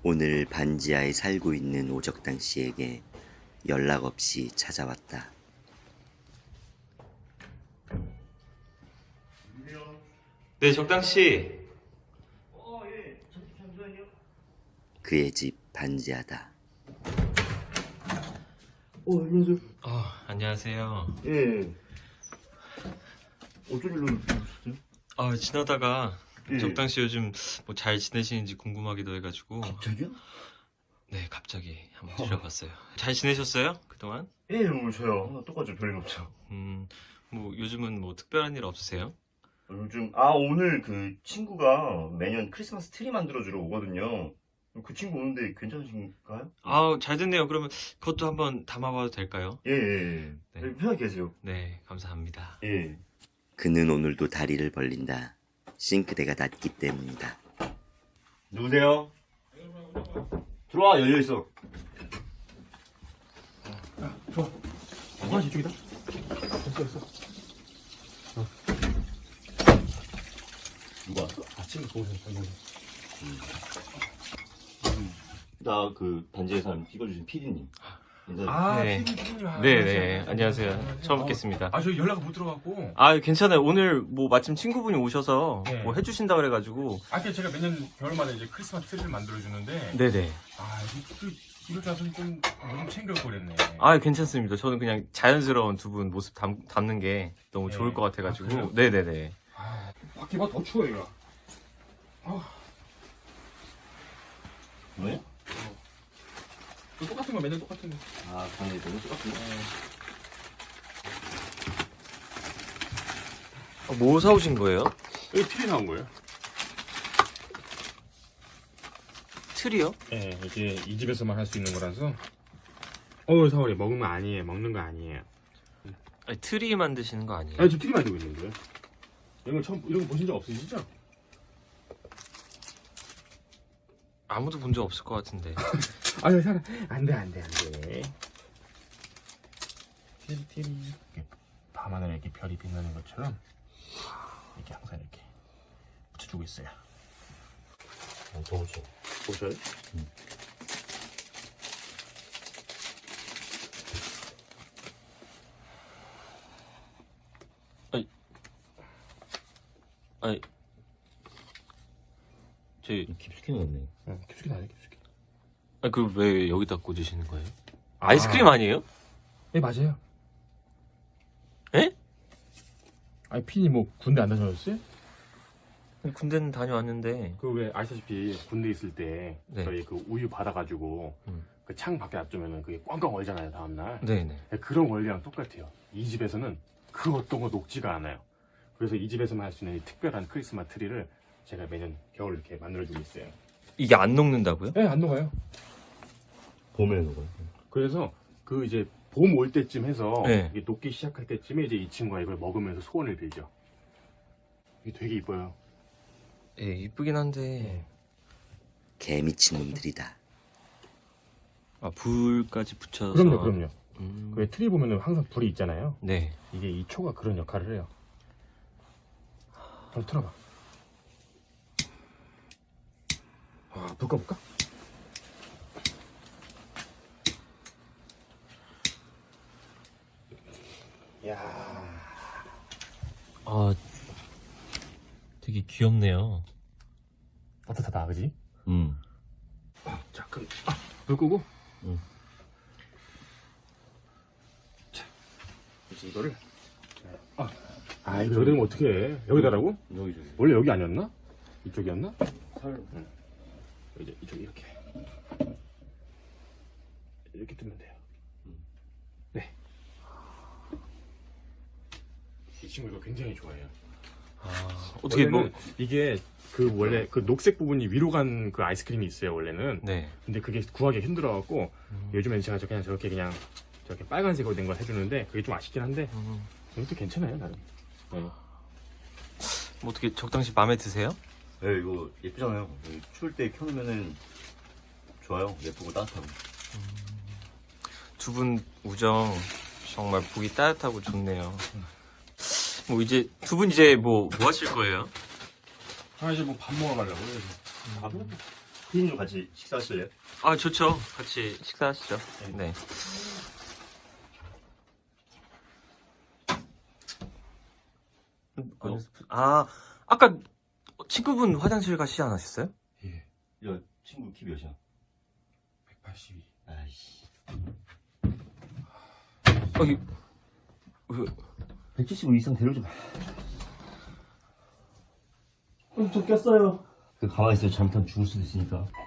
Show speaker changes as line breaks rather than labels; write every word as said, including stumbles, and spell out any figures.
오늘 반지하에 살고 있는 오적당 씨에게 연락 없이 찾아왔다.
네, 적당 씨.
어, 예. 잠시만요.
그의 집 반지하다.
어, 안녕하세요.
아, 안녕하세요.
예. 어쩐 일로 오셨어요?
아, 지나다가
예.
적당 씨 요즘 뭐 잘 지내시는지 궁금하기도 해가지고.
갑자기요?
네, 갑자기 한번 들려봤어요. 잘 지내셨어요? 그동안?
예, 뭐 저요. 똑같죠. 별일 없죠.
음, 뭐 요즘은 뭐 특별한 일 없으세요?
어, 요즘 아 오늘 그 친구가 매년 크리스마스 트리 만들어주러 오거든요. 그 친구 오는데 괜찮으신가요?
아, 잘 됐네요. 그러면 그것도 한번 담아봐도 될까요?
예, 예. 예.
네.
편하게 계세요.
네, 감사합니다.
예.
그는 오늘도 다리를 벌린다. 싱크대가 낮기 때문이다.
누구세요? 들어와, 열려 있어. 야, 들어와. 아, 이쪽이다. 됐어, 됐어. 어. 누가 왔어? 아침에 동생, 동생. 나 그 반지의 사람 찍어주신 피디님.
아,
네.
피디님, 피디님. 아,
네,
안녕하세요.
네, 안녕하세요. 처음 뵙겠습니다.
아, 저 연락 못 들어갔고.
아, 괜찮아요. 오늘 뭐 마침 친구분이 오셔서
네.
뭐 해주신다 그래가지고.
아, 그 제가 매년 겨울마다 이제 크리스마스 트리를 만들어주는데.
네네.
아, 이- 그, 이럴 줄 알았으면 좀, 뭐좀 챙겨버렸네.
아, 괜찮습니다. 저는 그냥 자연스러운 두 분 모습 담, 담는 게 너무
네.
좋을 것 같아가지고.
아, 그래요?
네네네.
아, 밖에 봐, 더 추워, 이거. 아,
뭐야?
또 똑같은 거, 매년 똑같은 거.
아, 방에 너무 똑같은데?
뭐 사오신 거예요?
여기 트리 나온 거예요?
틀이요?
네, 이게 이 집에서만 할 수 있는 거라서. 어우, 사월이 먹으면 아니에요. 먹는 거 아니에요.
아니, 트리 만드시는 거 아니에요?
아니, 지금 트리 만들고 있는 거예요. 이런 거 처음, 이런 거 보신 적 없으시죠?
아무도 본 적 없을 것 같은데.
아니, 사람. 안 돼, 안 돼, 안 돼. 트리, 트리. 이렇게 밤하늘에 이렇게 별이 빛나는 것처럼 이렇게 항상 이렇게 붙여주고 있어요.
아, 더우죠.
보셔요?
아니, 저희,
깊숙이 넣었네.
응, 깊숙이 나요, 깊숙이.
아, 그 왜 여기다 꽂으시는 거예요? 아이스크림 아니에요?
네, 맞아요.
에?
아니, 피디 뭐 군대 안 다녀오셨어요?
군대는 다녀왔는데.
그 왜 아시다시피 군대 있을 때
네.
저희 그 우유 받아가지고
음.
그 창 밖에 놔두면은 그게 꽝꽝 얼잖아요, 다음날.
네네.
그런 원리랑 똑같아요. 이 집에서는 그 어떤 거 녹지가 않아요. 그래서 이 집에서만 할 수 있는 이 특별한 크리스마스 트리를 제가 매년 겨울 이렇게 만들어주고 있어요.
이게 안 녹는다고요?
네, 안 녹아요.
봄에 넣어요.
그래서 그 이제 봄 올 때쯤 해서
네.
이게 녹기 시작할 때쯤에 이제 이 친구가 이걸 먹으면서 소원을 빌죠. 이게 되게 이뻐요.
예, 이쁘긴 한데.
개미친 놈들이다.
아, 불까지 붙여서.
그럼요, 그럼요.
음.
그 트리 보면은 항상 불이 있잖아요.
네.
이게 이 초가 그런 역할을 해요. 좀 틀어봐. 아, 불 꺼볼까? 야,
아, 되게 귀엽네요.
따뜻하다, 그지?
음.
자, 그럼 아, 불 끄고.
응.
자, 이제 이거를. 아, 아 이거 여기 되면 어떻게 해? 여기다라고?
여기, 저기.
원래 여기 아니었나? 이쪽이었나?
살.
응. 이제 이쪽 이렇게 이렇게 뜨면 돼요. 네. 이 친구 이거 굉장히 좋아해요.
아, 어떻게 뭐.
원래는 이게 그 원래 그 녹색 부분이 위로 간 그 아이스크림이 있어요 원래는.
네.
근데 그게 구하기 힘들어갖고
음.
요즘엔 제가 저 그냥 저렇게 그냥 저렇게 빨간색으로 된 걸 해주는데 그게 좀 아쉽긴 한데
음.
이것도 괜찮아요 나름. 네.
뭐 어떻게 적당시 마음에 드세요?
네, 이거 예쁘잖아요. 여기 추울 때 켜놓으면은 좋아요. 예쁘고 따뜻하고.
두 분 우정 정말 보기 따뜻하고 좋네요. 뭐 이제 두 분 이제 뭐 뭐 하실 거예요?
아 이제 뭐 밥 먹으러 가려고.
밥은 피디님도 같이 식사하실래요?
아, 좋죠. 같이 식사하시죠. 네. 어, 아, 아까 친구분 화장실 가시지 않으셨어요?
예.
야, 친구 키 몇이야?
백팔십이.
아이씨.
어, 이, 왜,
백칠십오 이상 데려오지 마. 좀 꼈어요. 그 가만히 있어요. 잘못하면 죽을 수도 있으니까.